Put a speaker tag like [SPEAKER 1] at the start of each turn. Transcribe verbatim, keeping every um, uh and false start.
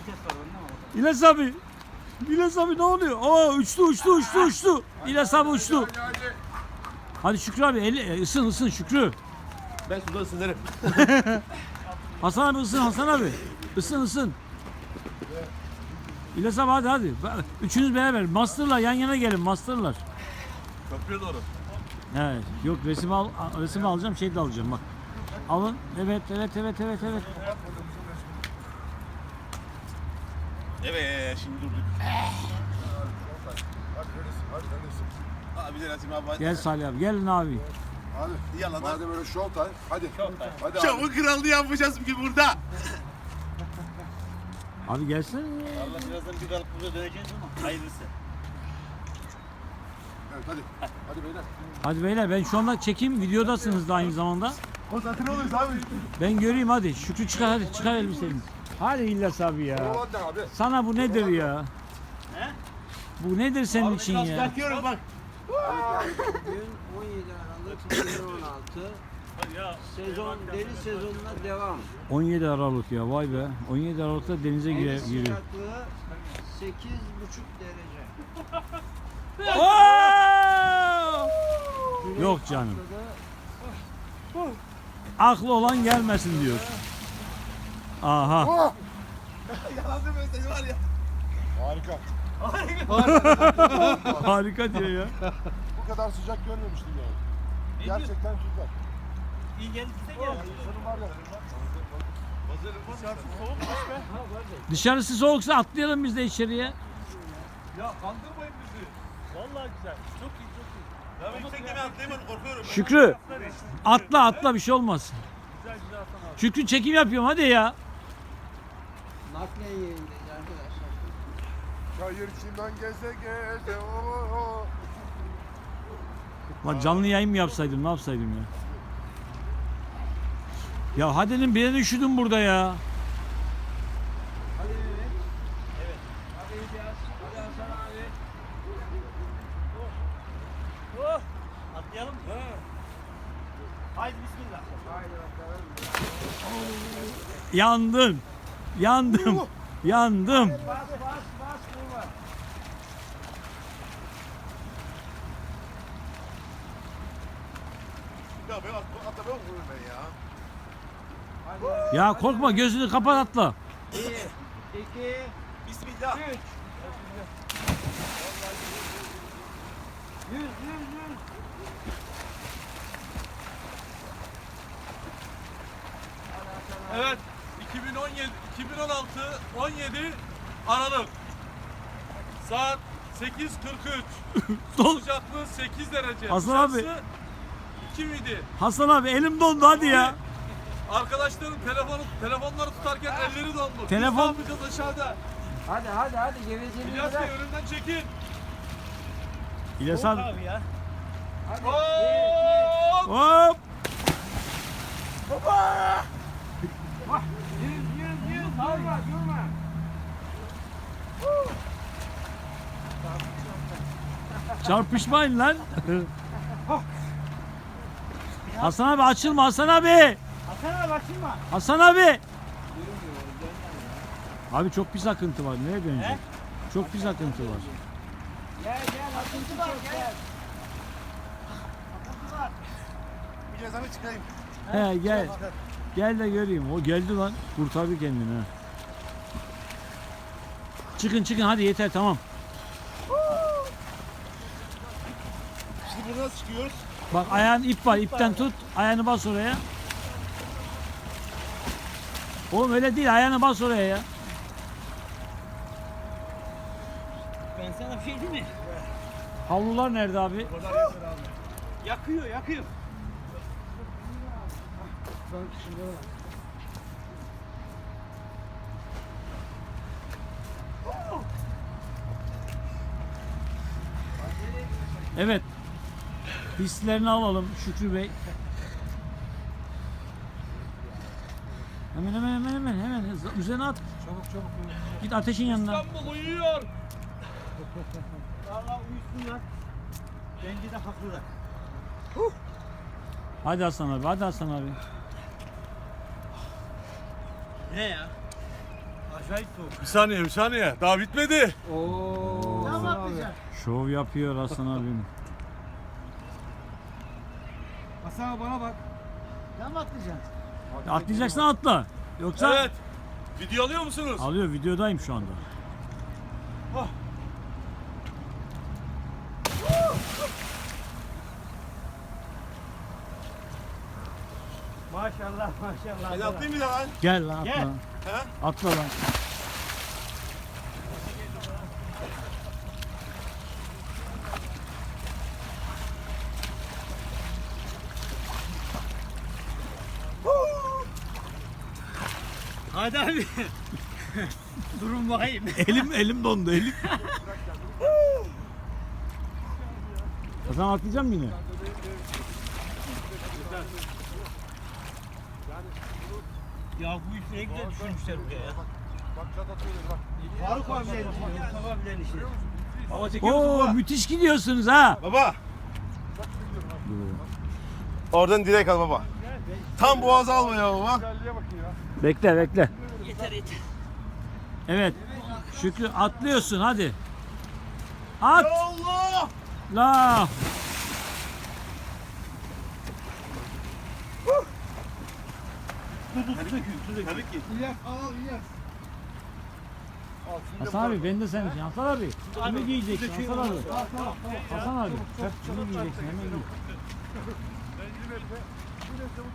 [SPEAKER 1] İlyas abi. İlyas abi ne oluyor? Aa uçtu uçtu uçtu uçtu. İlyas abi uçtu. Hadi Şükrü abi eli, ısın ısın Şükrü.
[SPEAKER 2] Ben suda ısınırım.
[SPEAKER 1] Hasan abi ısın Hasan abi. Isın ısın. İlyas abi hadi hadi. Üçünüz beraber. Master'la yan yana gelin Master'lar.
[SPEAKER 2] Köprüye doğru.
[SPEAKER 1] Evet. Yok resim al resim alacağım şey de alacağım bak. Alın. Evet evet evet evet evet.
[SPEAKER 2] Evet şimdi durduk. Abi de Rasim abi.
[SPEAKER 1] Gel Salih abi. Gelin abi.
[SPEAKER 3] Hadi.
[SPEAKER 2] Yalan.
[SPEAKER 3] Madem öyle show time. Hadi. Hadi abi.
[SPEAKER 2] Şovun kralını yapacağız bugün burada.
[SPEAKER 1] Abi gelsene.
[SPEAKER 4] Allah birazdan bir kalıp burada döneceğiz ama hayırlısı.
[SPEAKER 3] Evet hadi. Hadi beyler.
[SPEAKER 1] Hadi beyler ben şu anda çekeyim videodasınız da aynı zamanda.
[SPEAKER 3] Konsantre oluyoruz abi.
[SPEAKER 1] Ben göreyim hadi. Şükrü çıkar hadi çıkar elbiseni. Hadi İlyas abi ya.
[SPEAKER 3] Hadi abi.
[SPEAKER 1] Sana bu nedir ya?
[SPEAKER 4] He?
[SPEAKER 1] Bu nedir senin için ya?
[SPEAKER 4] Çıkartıyorum bak.
[SPEAKER 5] Bugün on yedi Aralık iki bin on altı sezon deniz sezonuna devam.
[SPEAKER 1] on yedi Aralık ya vay be. on yedi Aralık'ta denize gire,
[SPEAKER 5] Deniz
[SPEAKER 1] giriyor.
[SPEAKER 5] sıcaklığı sekiz buçuk derece.
[SPEAKER 1] Oo! Yok canım. Aklı olan gelmesin diyor. Aha.
[SPEAKER 2] Yalan deme seni var ya.
[SPEAKER 3] Harika.
[SPEAKER 1] Harika diyor ya.
[SPEAKER 3] Bu kadar sıcak görmemiştim yani. Gerçekten süper.
[SPEAKER 4] İyi geldi bize geldi.
[SPEAKER 3] Sorun var ya.
[SPEAKER 1] Dışarısı soğuksa atlayalım biz de içeriye.
[SPEAKER 2] Ya kandırmayın bizi.
[SPEAKER 4] Vallahi güzel. Çok iyi çok iyi.
[SPEAKER 2] Ya ben yükseklemeye atlayamadım korkuyorum.
[SPEAKER 1] Şükrü atla atla bir şey olmaz.
[SPEAKER 4] Güzel güzel Hasan abi.
[SPEAKER 1] Şükrü çekim yapıyorum hadi ya.
[SPEAKER 5] Naklen yayındayız arkadaşlar.
[SPEAKER 3] Çayır çimen geze geze. Oo.
[SPEAKER 1] Lan canlı yayın mı yapsaydım ne yapsaydım ya. Ya hadenin birine üşüdüm burada ya.
[SPEAKER 5] Hadi Mehmet. Evet. Hadi İlyas. Hadi Hasan abi.
[SPEAKER 4] Oh! Atlayalım mı? Haydi bismillah.
[SPEAKER 5] Haydi bakalım.
[SPEAKER 1] Yandım. Yandım. Yandım.
[SPEAKER 5] Bas bas bas durma.
[SPEAKER 2] Ya ben at- atlamaya korkuyorum ben ya.
[SPEAKER 5] Hadi.
[SPEAKER 1] Ya korkma gözünü kapat atla.
[SPEAKER 5] Bir, iki,
[SPEAKER 2] Bismillah.
[SPEAKER 5] üç. Yüz, yüz, yüz.
[SPEAKER 2] Evet. iki bin on yedi, iki bin on altı, on yedi Aralık. Saat sekiz kırk üç.
[SPEAKER 1] Don-
[SPEAKER 2] Sıcaklığı sekiz derece.
[SPEAKER 1] Hasan abi.
[SPEAKER 2] Dışarısı iki miydi?
[SPEAKER 1] Hasan abi elim dondu hadi ya.
[SPEAKER 2] Arkadaşların telefonu telefonları tutarken elleri dondu. Biz
[SPEAKER 1] Telefon-
[SPEAKER 2] ne yapacağız aşağıda?
[SPEAKER 5] Hadi hadi hadi gevezeliği
[SPEAKER 2] İlyas Bey
[SPEAKER 5] bırak.
[SPEAKER 2] önümden çekin.
[SPEAKER 1] İlyas
[SPEAKER 4] Soğuk
[SPEAKER 1] abi.
[SPEAKER 4] abi ya.
[SPEAKER 5] Hadi.
[SPEAKER 2] Hop!
[SPEAKER 1] Hop.
[SPEAKER 5] Yüz, yüz, yüz. Durma, durma.
[SPEAKER 1] Çarpışmayın lan. Hasan abi açılma Hasan abi.
[SPEAKER 4] Hasan abi açılma.
[SPEAKER 1] Hasan abi. Abi çok pis akıntı var. Nereye dönecek? Çok pis akıntı var.
[SPEAKER 5] Gel gel akıntı çok gel.
[SPEAKER 2] Bir cezanı çıkayım.
[SPEAKER 1] He gel. Gel de göreyim. O geldi lan. Kurtardı kendini ha. Çıkın çıkın hadi yeter tamam.
[SPEAKER 2] Şimdi buradan nasıl çıkıyoruz?
[SPEAKER 1] Bak ayağın ip var. İpten tut. Ayağını bas oraya. Oğlum öyle değil. Ayağını bas oraya ya.
[SPEAKER 4] Ben sana bir şey diyeyim mi?
[SPEAKER 1] Havlular nerede abi?
[SPEAKER 4] Yakıyor yakıyor.
[SPEAKER 1] Evet. Hislerini alalım Şükrü Bey. Hemen hemen hemen hemen hemen hızlı- üzerine at.
[SPEAKER 3] Çabuk çabuk.
[SPEAKER 1] Git ateşin yanına.
[SPEAKER 2] İstanbul uyuyor.
[SPEAKER 4] Valla uyusunlar. Bence de haklılar.
[SPEAKER 1] Hadi Hasan abi, hadi Hasan abi.
[SPEAKER 4] Ne ya? Acayip soğuk.
[SPEAKER 2] Bir saniye bir saniye. Daha bitmedi.
[SPEAKER 5] Oo.
[SPEAKER 4] Tamam
[SPEAKER 5] Hasan abi.
[SPEAKER 4] atlayacağım.
[SPEAKER 1] Şov yapıyor Hasan abim.
[SPEAKER 4] Hasan abi bana bak. Tamam atlayacaksın.
[SPEAKER 1] Atlayacaksan atla. Yoksa
[SPEAKER 2] Evet. Video alıyor musunuz?
[SPEAKER 1] alıyor, videodayım şu anda.
[SPEAKER 4] Maşallah maşallah.
[SPEAKER 2] Ben atlayayım bir daha lan.
[SPEAKER 1] Gel lan atla.
[SPEAKER 4] Gel.
[SPEAKER 2] He?
[SPEAKER 1] Atla lan.
[SPEAKER 4] Hadi abi. Durun bakayım.
[SPEAKER 1] Elim elim dondu elim. Hasan atlayacak mısın yine?
[SPEAKER 4] Ya bu iş ne güzel düşünmüşler buraya ya.
[SPEAKER 3] Bak kat atıyorlar bak.
[SPEAKER 4] Faruk abilerin işi, Mustafa abilerin işi. Baba çekiyor
[SPEAKER 1] Oo müthiş gidiyorsunuz ha.
[SPEAKER 2] Baba. Oradan direkt al baba. Tam boğaz alma ya baba.
[SPEAKER 3] Güzelliğe bakın ya.
[SPEAKER 1] Bekle bekle.
[SPEAKER 4] Yeter yeter.
[SPEAKER 1] Evet. Şükrü atlıyorsun hadi. At.
[SPEAKER 2] Allah!
[SPEAKER 1] La.
[SPEAKER 2] Tabii ki.
[SPEAKER 3] İlyas al İlyas. Al, şimdi
[SPEAKER 1] Hasan abi ben de senin için. Hasan abi. Bunu giyeceksin Hasan abi. Hasan abi. Bunu giyeceksin hemen giy.